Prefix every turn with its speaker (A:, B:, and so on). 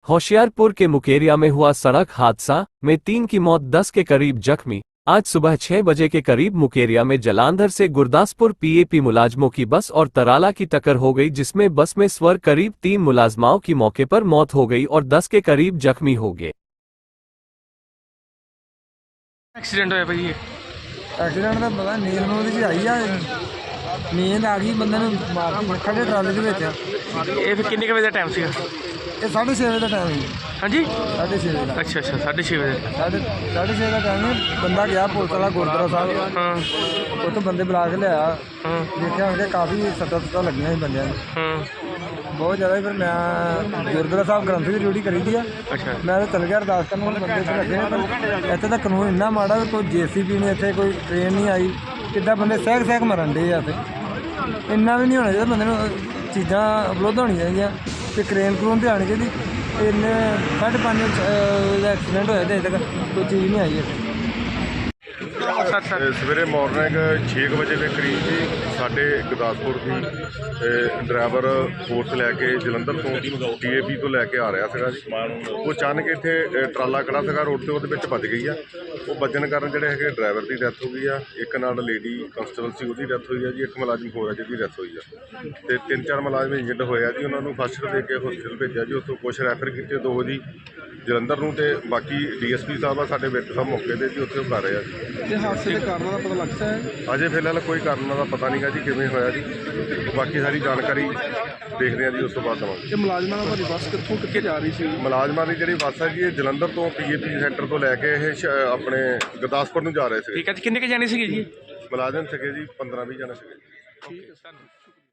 A: होशियारपुर के मुकेरिया में हुआ सड़क हादसा में 3 की मौत, 10 के करीब जख्मी। आज सुबह 6 बजे के करीब मुकेरिया में जलांधर से गुरदासपुर पीएपी मुलाजमों की बस और तराला की टक्कर हो गई, जिसमें बस में सवार करीब 3 मुलाजमाओं की मौके पर मौत हो गई और 10 के करीब जख्मी हो गए।
B: एक्सीडेंट होया भाई?
C: एक्सीडेंट का पता नींद में ਉਹਦੀ ਆਈ ਆ नींद आ गई ਬੰਦੇ ਨੂੰ ਮਾਰਦੀ ਖੜੇ ਟਰਾਲੇ ਦੇ ਵਿੱਚ।
B: ਇਹ ਫਿਰ ਕਿੰਨੇ ਵਜੇ ਦਾ ਟਾਈਮ ਸੀਗਾ?
C: ਇਹ 6:30 ਵਜੇ ਦਾ ਟਾਈਮ ਸੀ।
B: ਹਾਂਜੀ
C: 6:30 ਵਜੇ ਦਾ।
B: ਅੱਛਾ 6:30 ਵਜੇ।
C: 6:30 ਦਾ ਟਾਈਮ ਸੀ। ਬੰਦਾ ਗਿਆ ਪੁਲਿਸ ਵਾਲਾ ਗੁਰਦੁਆਰਾ ਸਾਹਿਬ,
B: ਹਾਂ
C: ਉੱਥੋਂ ਬੰਦੇ ਬੁਲਾ ਕੇ ਲਿਆਇਆ।
B: ਹਾਂ
C: ਦੇਖਿਆ ਉਹਦੇ ਕਾਫੀ ਸੱਟਾਂ ਲੱਗੀਆਂ ਸੀ ਬੰਦਿਆਂ ਨੂੰ,
B: ਹਾਂ
C: ਬਹੁਤ ਜ਼ਿਆਦਾ। ਫਿਰ ਮੈਂ ਗੁਰਦੁਆਰਾ ਸਾਹਿਬ ਗ੍ਰੰਥੀ ਦੀ ਡਿਊਟੀ ਕਰੀ ਦੀ ਆ।
B: ਅੱਛਾ
C: ਮੈਂ ਤਾਂ ਚਲ ਗਿਆ ਅਰਦਾਸ ਕਰਨ, ਹੁਣ ਬੰਦੇ ਇੱਥੇ ਲੱਗੇ ਨੇ। ਪਰ ਇੱਥੇ ਦਾ ਕਾਨੂੰਨ ਇੰਨਾ ਮਾੜਾ ਵੀ ਕੋਈ JCB ਨਹੀਂ, ਇੱਥੇ ਕੋਈ ਟ੍ਰੇਨ ਨਹੀਂ ਆਈ। ਕਿੱਦਾਂ ਬੰਦੇ ਸਹਿਕ ਮਰਨ ਡੇ ਆ। ਇੱਥੇ ਇੰਨਾ ਵੀ ਨਹੀਂ ਹੋਣਾ ਚਾਹੀਦਾ, ਬੰਦੇ ਨੂੰ ਚੀਜ਼ਾਂ ਉਪਲਬਧ ਹੋਣੀਆਂ ਚਾਹੀਦੀਆਂ ਅਤੇ ਕਰੇਨ ਕਰੂਨ 'ਤੇ ਆਉਣੀ ਚਾਹੀਦੀ। ਇੰਨੇ 5:30 ਦਾ ਐਕਸੀਡੈਂਟ ਹੋਇਆ ਅਤੇ ਅਜੇ ਤੱਕ ਕੋਈ ਚੀਜ਼ ਨਹੀਂ ਆਈ ਇੱਥੇ।
D: ਸਵੇਰੇ ਮਾਰਨਿੰਗ 6 ਵਜੇ ਦੇ ਕਰੀਬ ਜੀ ਸਾਡੇ ਗੁਰਦਾਸਪੁਰ ਦੀ ਡਰਾਈਵਰ ਫੋਰਸ ਲੈ ਕੇ ਜਲੰਧਰ ਤੋਂ PAP ਤੋਂ ਲੈ ਕੇ ਆ ਰਿਹਾ ਸੀਗਾ ਜੀ। ਉਹ ਅਚਾਨਕ ਇੱਥੇ ਟਰਾਲਾ ਖੜਾ ਸੀਗਾ ਰੋਡ 'ਤੇ, ਉਹਦੇ ਵਿੱਚ ਵੱਜ ਗਈ ਆ। ਉਹ ਵੱਜਣ ਕਾਰਨ ਜਿਹੜੇ ਹੈਗੇ ਡਰਾਈਵਰ ਦੀ ਡੈਥ ਹੋ ਗਈ ਆ, ਇੱਕ ਨਾਲ ਲੇਡੀ ਕਨਸਟੇਬਲ ਸੀ ਉਹਦੀ ਡੈਥ ਹੋਈ ਆ ਜੀ, ਇੱਕ ਮੁਲਾਜ਼ਮ ਹੋਰ ਆ ਜਿਹਦੀ ਡੈਥ ਹੋਈ ਆ, ਅਤੇ 3-4 ਮੁਲਾਜ਼ਮ ਇੰਜਰਡ ਹੋਏ ਆ ਜੀ। ਉਹਨਾਂ ਨੂੰ ਫਸਟ ਏਡ ਦੇ ਕੇ ਹਸਪੀਟਲ ਭੇਜਿਆ ਜੀ। ਉੱਥੋਂ ਕੁਛ ਰੈਫਰ ਕੀਤੇ, 2 ਜੀ ਜਲੰਧਰ ਨੂੰ, ਅਤੇ ਬਾਕੀ DSP ਸਾਹਿਬ ਆ ਸਾਡੇ ਵਿੱਚ ਸਭ ਮੌਕੇ 'ਤੇ ਜੀ, ਉੱਥੇ ਉਹ ਕਰ ਰਹੇ ਆ ਜੀ।
C: ਇਹ ਹਾਦਸੇ ਦੇ ਕਾਰਨਾਂ ਦਾ ਪਤਾ ਲੱਗਦਾ ਹੈ?
D: ਅਜੇ ਫਿਲਹਾਲ ਕੋਈ ਕਾਰਨ ਦਾ ਪਤਾ ਨਹੀਂ ਗਾ ਜੀ ਕਿਵੇਂ ਹੋਇਆ ਜੀ। ਬਾਕੀ ਸਾਰੀ ਜਾਣਕਾਰੀ ਦੇਖਦੇ ਹਾਂ ਜੀ, ਉਸ ਤੋਂ ਬਾਅਦ ਦੇਵਾਂਗੇ।
C: ਇਹ ਮੁਲਾਜ਼ਮਾਂ ਨਾਲ ਤੁਹਾਡੀ ਬੱਸ ਕਿੱਥੇ ਜਾ ਰਹੀ ਸੀ?
D: ਮੁਲਾਜ਼ਮਾਂ ਦੀ ਜਿਹੜੀ ਬੱਸ ਹੈ ਜੀ, ਇਹ ਜਲੰਧਰ ਤੋਂ PAP ਸੈਂਟਰ ਤੋਂ ਲੈ ਕੇ ਇਹ ਆਪਣੇ ਗੁਰਦਾਸਪੁਰ ਨੂੰ ਜਾ ਰਹੇ ਸੀਗੇ।
B: ਠੀਕ ਹੈ ਜੀ। ਕਿੰਨੇ ਕੁ ਜਾਣੇ ਸੀਗੇ ਜੀ?
D: ਮੁਲਾਜ਼ਮ ਸੀਗੇ ਜੀ 15-20 ਜਣੇ ਸੀਗੇ।
B: ਠੀਕ ਹੈ ਸਰ।